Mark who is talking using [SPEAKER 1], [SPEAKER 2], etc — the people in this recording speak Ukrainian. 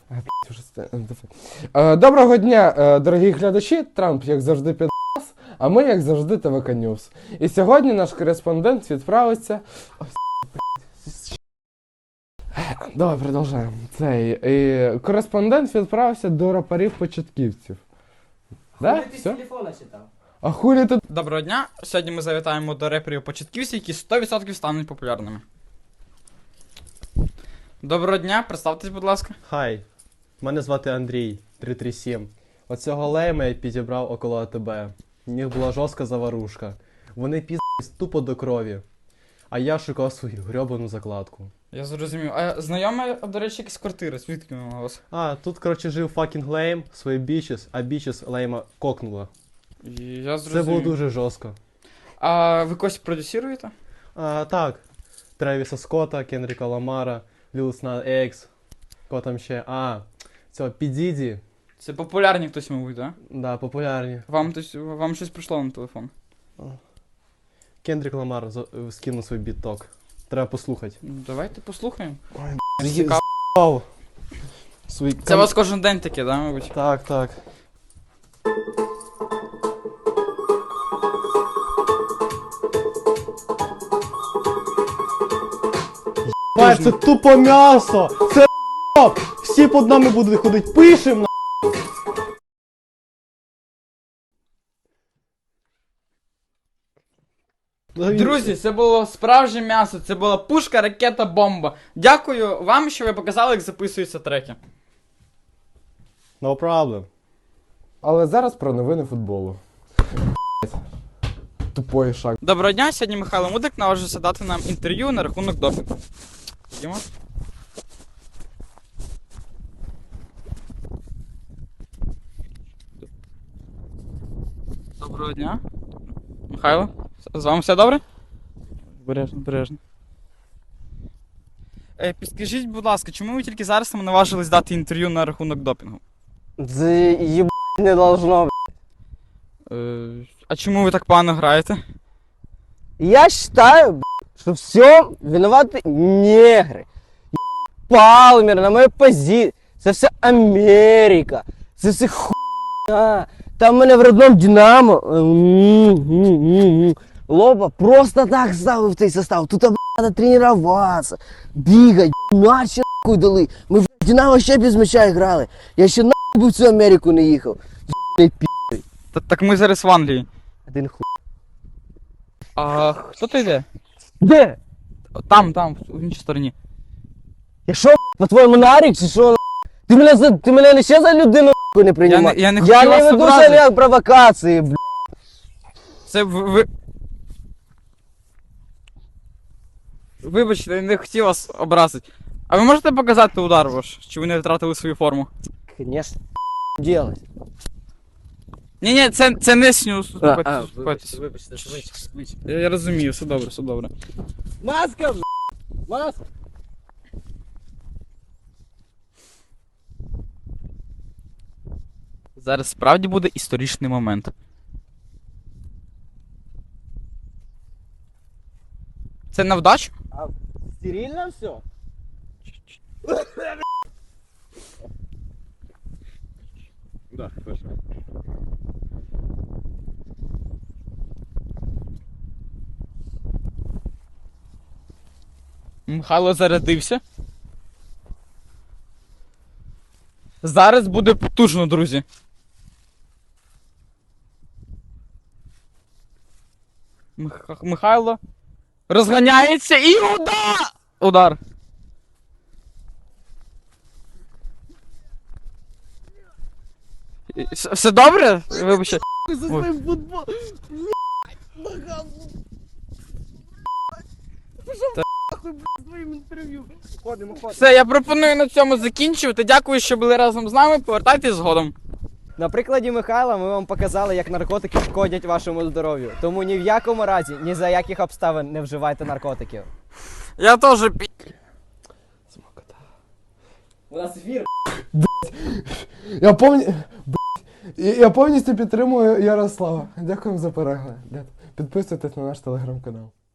[SPEAKER 1] Доброго дня, дорогі глядачі. Трамп, як завжди, підрас, а ми, як завжди, ТВК Ньюс. І сьогодні наш кореспондент відправиться... Давай, продовжаємо. Кореспондент відправився до рапарів-початківців. Да?
[SPEAKER 2] Ти з телефона читав.
[SPEAKER 1] А хулі тут...
[SPEAKER 3] Доброго дня! Сьогодні ми завітаємо до реперів-початківців, які 100% стануть популярними. Доброго дня, представтесь, будь ласка.
[SPEAKER 4] Хай, мене звати Андрій, 337. Оцього лейма я підібрав около АТБ. В них була жорстка заварушка. Вони піздались тупо до крові. А я шукав свою грьобану закладку.
[SPEAKER 3] Я зрозумів. А знайома, до речі, якісь квартири, звідки вона у вас?
[SPEAKER 4] А, тут, коротше, жив факінг лейм, свої бічес, а бічес лейма кокнула.
[SPEAKER 3] Я зрозумів.
[SPEAKER 4] Це було дуже жорстко.
[SPEAKER 3] А ви когось продюсируєте?
[SPEAKER 4] А, так. Тревіса Скотта, Кендріка Ламара, Лил Нас Екс, кого там ще? А, цього Підіді.
[SPEAKER 3] Це популярні хтось, мабуть, так?
[SPEAKER 4] Да, популярні.
[SPEAKER 3] Вам щось прийшло на телефон?
[SPEAKER 4] Кендрік Ламар скинув свій бітток. Треба послухати.
[SPEAKER 3] Давайте послухаємо.
[SPEAKER 4] Цікаво.
[SPEAKER 3] Це у вас кожен день таке, да, мабуть?
[SPEAKER 4] Так, так. Єбать, це тупо м'ясо! Це ***. Всі під нами будуть ходити, пишем на.
[SPEAKER 3] Друзі, це було справжнє м'ясо, це була пушка, ракета, бомба. Дякую вам, що ви показали, як записуються треки.
[SPEAKER 4] No problem.
[SPEAKER 1] Але зараз про новини футболу. Тупой шаг.
[SPEAKER 3] Доброго дня, сьогодні Михайло Мудрик наважився дати нам інтерв'ю на рахунок допінгу. Ходімо. Доброго дня. Михайло, з вами все добре? Бережно, бережно. Підскажіть, будь ласка, чому ви тільки зараз нам наважились дати інтерв'ю на рахунок допінгу?
[SPEAKER 2] Це єбать не должно, б***ь.
[SPEAKER 3] А чому ви так погано граєте?
[SPEAKER 2] Я считаю, б***ь, что все виноваты негры. Палмер на моей позиции. Це все Америка. Це все хуйня. Там мене в родном Динамо. Лоба просто так ставив в цей состав. Тут треба тренуватися, бігати, мяч нахуй дали. Ми в Динамо ще без м'яча грали. Я ще нахуй в цю Америку не їхав.
[SPEAKER 3] Так ми зараз в Англії.
[SPEAKER 2] Один хуй.
[SPEAKER 3] А хто ти йде?
[SPEAKER 2] Де?
[SPEAKER 3] Там, в іншій стороні.
[SPEAKER 2] Я що, по-твоєму нарік чи що? Ти мене не ще за людину нахуй не приймаєш?
[SPEAKER 3] Я не хотів вас
[SPEAKER 2] веду
[SPEAKER 3] образити.
[SPEAKER 2] себе провокації, бля.
[SPEAKER 3] Це ви... Вибачте, я не хотів вас образити. А ви можете показати удар ваш? Чи ви не втратили свою форму?
[SPEAKER 2] Конечно, делать.
[SPEAKER 3] Ні, це не снюс.
[SPEAKER 2] Вибачте, швидше.
[SPEAKER 3] Я розумію, все добре, все добре.
[SPEAKER 2] Маска, бля. Маска.
[SPEAKER 3] Зараз справді буде історичний момент. Це на вдачу?
[SPEAKER 2] А стерильно все?
[SPEAKER 4] Да, точно.
[SPEAKER 3] Михайло зарядився. Зараз буде потужно, друзі. Михайло розганяється і удар! Удар. Все добре? Вибачте.
[SPEAKER 4] За своїм футбол. Своїм інтерв'ю. Ходимо.
[SPEAKER 3] Все, я пропоную на цьому закінчувати. Дякую, що були разом з нами. Повертайтесь згодом.
[SPEAKER 2] На прикладі Михайла ми вам показали, як наркотики шкодять вашому здоров'ю. Тому ні в якому разі, ні за яких обставин не вживайте наркотиків.
[SPEAKER 3] Я теж
[SPEAKER 2] У нас ефір.
[SPEAKER 1] Я повністю підтримую Ярослава. Дякуємо за перегляд. Підписуйтесь на наш телеграм-канал.